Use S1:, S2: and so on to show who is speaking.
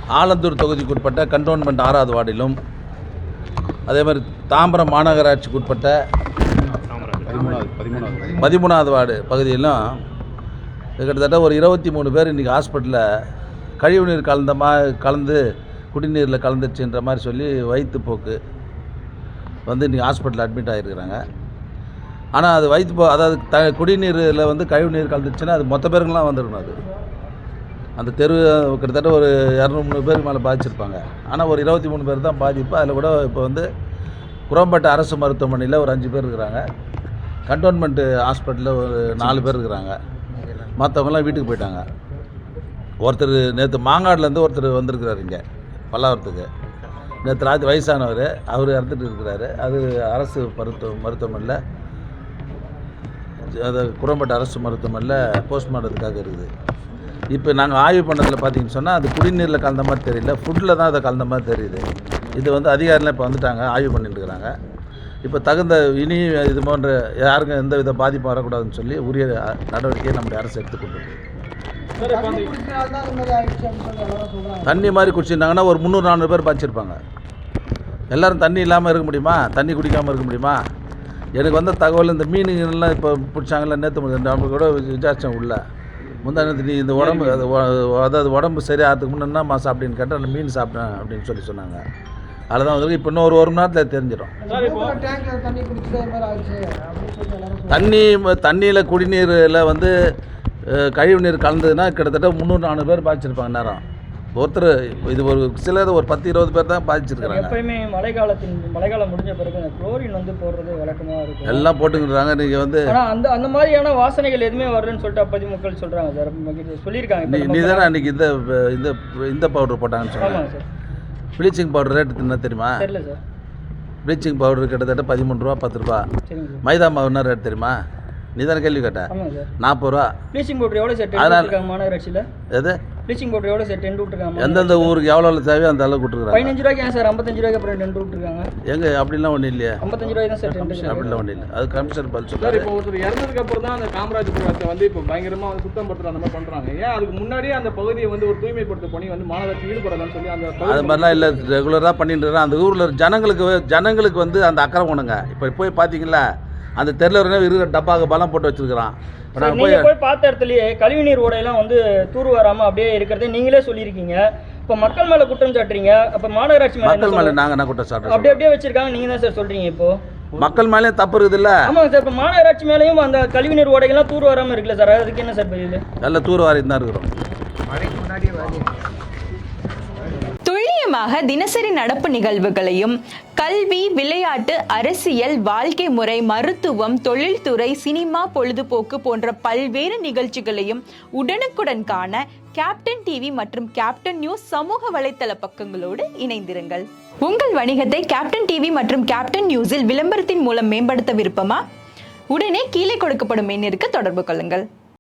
S1: ஆலந்தூர் தொகுதிக்குட்பட்ட கண்டோன்மெண்ட் 6வது வார்டிலும் அதே மாதிரி தாம்பரம் மாநகராட்சிக்குட்பட்ட 13வது வார்டு பகுதியிலும் கிட்டத்தட்ட ஒரு 23 பேர் இன்றைக்கி ஹாஸ்பிட்டலில் கழிவுநீர் கலந்து குடிநீரில் கலந்துச்சுன்ற மாதிரி சொல்லி வயிற்றுப்போக்கு வந்து இன்றைக்கி ஹாஸ்பிட்டலில் அட்மிட் ஆகிருக்கிறாங்க. ஆனால் அது அதாவது குடிநீரில் வந்து கழிவுநீர் கலந்துச்சுன்னா அது மொத்த பேருங்களாம் வந்துடணும். அது அந்த தெரு கிட்டத்தட்ட ஒரு 200-300 பேருக்கு மேலே பாதிச்சிருப்பாங்க. ஆனால் ஒரு 23 பேர் தான் பாதிப்பு. அதில் கூட இப்போ வந்து குரோம்பேட்டை அரசு மருத்துவமனையில் ஒரு 5 பேர் இருக்கிறாங்க. கண்டோன்மெண்ட்டு ஹாஸ்பிட்டலில் ஒரு 4 பேர் இருக்கிறாங்க. மற்றவங்களாம் வீட்டுக்கு போயிட்டாங்க. ஒருத்தர் நேற்று மாங்காடுலேருந்து ஒருத்தர் வந்திருக்கிறார் இங்கே பல்லாவரத்துக்கு. நேற்று ராத்திரி வயசானவர், அவர் இறந்துட்டு இருக்கிறாரு. அது அரசு மருத்துவமனையில் அது குரோம்பேட்டை அரசு மருத்துவமனையில் போஸ்ட்மார்ட்டத்துக்காக இருக்குது. இப்போ நாங்கள் ஆய்வு பண்ணதில் பார்த்தீங்கன்னு சொன்னால் அது குடிநீரில் கலந்த மாதிரி தெரியல, ஃபுட்டில் தான் அதை கலந்த மாதிரி தெரியுது. இது வந்து அதிகாரிலாம் இப்போ வந்துட்டாங்க, ஆய்வு பண்ணிட்டு இருக்கிறாங்க. இப்போ தகுந்த இனி இது போன்ற யாருக்கும் எந்த வித பாதிப்பும் வரக்கூடாதுன்னு சொல்லி உரிய நடவடிக்கையை நம்முடைய அரசு எடுத்துக்கொண்டு தண்ணி மாதிரி குடிச்சிருந்தாங்கன்னா ஒரு 300-400 பேர் பாய்ச்சிருப்பாங்க. எல்லோரும் தண்ணி இல்லாமல் இருக்க முடியுமா? தண்ணி குடிக்காமல் இருக்க முடியுமா? எனக்கு வந்த தகவல் இந்த மீனுங்கள்லாம் இப்போ பிடிச்சாங்கல்ல, நேற்று நம்ம கூட விசாரித்தேன் உள்ள முந்தானத்து. நீ இந்த உடம்பு அதாவது உடம்பு சரியாகிறதுக்கு முன்னே மாதம் அப்படின்னு கேட்டால் அந்த மீன் சாப்பிட்டேன் அப்படின்னு சொன்னாங்க. அதில் தான் வந்து இப்போ இன்னும் ஒரு மணி நேரத்தில் தெரிஞ்சிடும். தண்ணியில் குடிநீரில் வந்து கழிவு நீர் கலந்ததுன்னா கிட்டத்தட்ட 300-400 பேர் பாதிச்சிருப்பாங்க. நேரம் ஒருத்தர் இது ஒரு சிலர் ஒரு 10-20 பேர் தான் பாதிச்சிருக்காங்க.
S2: எப்பயுமே மழைக்காலம் முடிஞ்ச பிறகு குளோரின் வந்து போடுறது வழக்கமாக இருக்கும், எல்லாம்
S1: போட்டுக்கிறாங்க. நீங்கள் வந்து
S2: அந்த மாதிரியான வாசனைகள் எதுவுமே வரலன்னு சொல்லிட்டு அப்போதைக்கு மக்கள் சொல்கிறாங்க சார், சொல்லியிருக்காங்க.
S1: நீ தானே அன்றைக்கி இந்த பவுடர் போட்டாங்கன்னு சொன்னாங்க சார். ப்ளீச்சிங் பவுடர் ரேட்டு என்ன தெரியுமா?
S2: தெரியல சார்.
S1: ப்ளீச்சிங் பவுடர் கிட்டத்தட்ட 13 ரூபா 10 ரூபா. மைதா மாவு என்ன ரேட் தெரியுமா? நீ தானே கேள்வி கேட்ட? 40 ரூபா.
S2: ப்ளீச்சிங் பவுடர் எவ்வளோ சார் டென் மாநகராட்சியில்?
S1: எது
S2: ப்ளீச்சிங் பவுடர் எவ்வளோ சார் டென் விட்டுருக்காங்க?
S1: எந்தெந்த ஊருக்கு எவ்வளோ தேவையோ அந்த அளவுக்கு விட்டுருக்காங்க.
S2: 15 ரூபாய்க்கு ஏன் சார் 55 ரூபாய்க்கு அப்புறம் டென் விட்டுருக்காங்க?
S1: எங்க அப்படிலாம் ஒன்றும் இல்லையா?
S2: 55 ரூபாய் தான் சார் டென்.
S1: அப்படிலாம் ஒன்றும் இல்லை. அது கமிஷனர் பதில்
S3: சொல்றாரு. இப்போ ஒருத்தர் இறந்ததுக்கு அப்புறம் தான் அந்த காமராஜபுரத்தை வந்து இப்போ பயங்கரமாக வந்து சுத்தம் படுத்துற அந்த மாதிரி பண்ணுறாங்க. ஏன் அதுக்கு முன்னாடியே அந்த பகுதியை வந்து ஒரு தூய்மைப்படுத்த பணி வந்து மாநகராட்சி ஈடுபடலாம்னு சொல்லி அந்த
S1: அது மாதிரிலாம் இல்லை, ரெகுலராக பண்ணிட்டு இருக்காங்க. அந்த ஊரில் ஜனங்களுக்கு வந்து அந்த அக்கறை ஒண்ணுங்க. இப்போ போய் பார்த்தீங்களா அந்த தெருவில் இருக்கிற டப்பாக்கு பலம் போட்டு வச்சிருக்கிறான்.
S2: நீங்கள் போய் பார்த்த இடத்துலையே கழிவுநீர் ஓடையெல்லாம் வந்து தூர் வராமல் அப்படியே இருக்கிறதே நீங்களே சொல்லியிருக்கீங்க. இப்போ மக்கள் மேலே குற்றம் சாட்டுறீங்க. அப்போ மாநகராட்சி
S1: மேலே நாங்கள் என்ன குற்றம் சாட்டுறோம்?
S2: அப்படியே வச்சிருக்காங்க, நீங்கள் தான் சார் சொல்கிறீங்க. இப்போ
S1: மக்கள் மேலே தப்பு இருக்குது இல்லை?
S2: ஆமாங்க சார். இப்போ மாநகராட்சி மேலேயும் அந்த கழிவுநீர் ஓடைகள்லாம் தூர் வராமல் இருக்குல்ல சார், அதுக்கு என்ன சார் பதில்?
S1: நல்ல தூர் வாரி தான் இருக்கிறோம்.
S4: துல்லியமாக தினசரி நடப்பு நிகழ்வுகளையும் கல்வி, விளையாட்டு, அரசியல், வாழ்க்கை முறை, மருத்துவம், தொழில்துறை, சினிமா, பொழுதுபோக்கு போன்ற பல்வேறு நிகழ்ச்சிகளையும் உடனுக்குடன் காண கேப்டன் டிவி மற்றும் கேப்டன் நியூஸ் சமூக வலைத்தள பக்கங்களோடு இணைந்திருங்கள். உங்கள் வணிகத்தை கேப்டன் டிவி மற்றும் கேப்டன் நியூஸில் விளம்பரத்தின் மூலம் மேம்படுத்த விருப்பமா? உடனே கீழே கொடுக்கப்படும் எண்ணிற்கு தொடர்பு கொள்ளுங்கள்.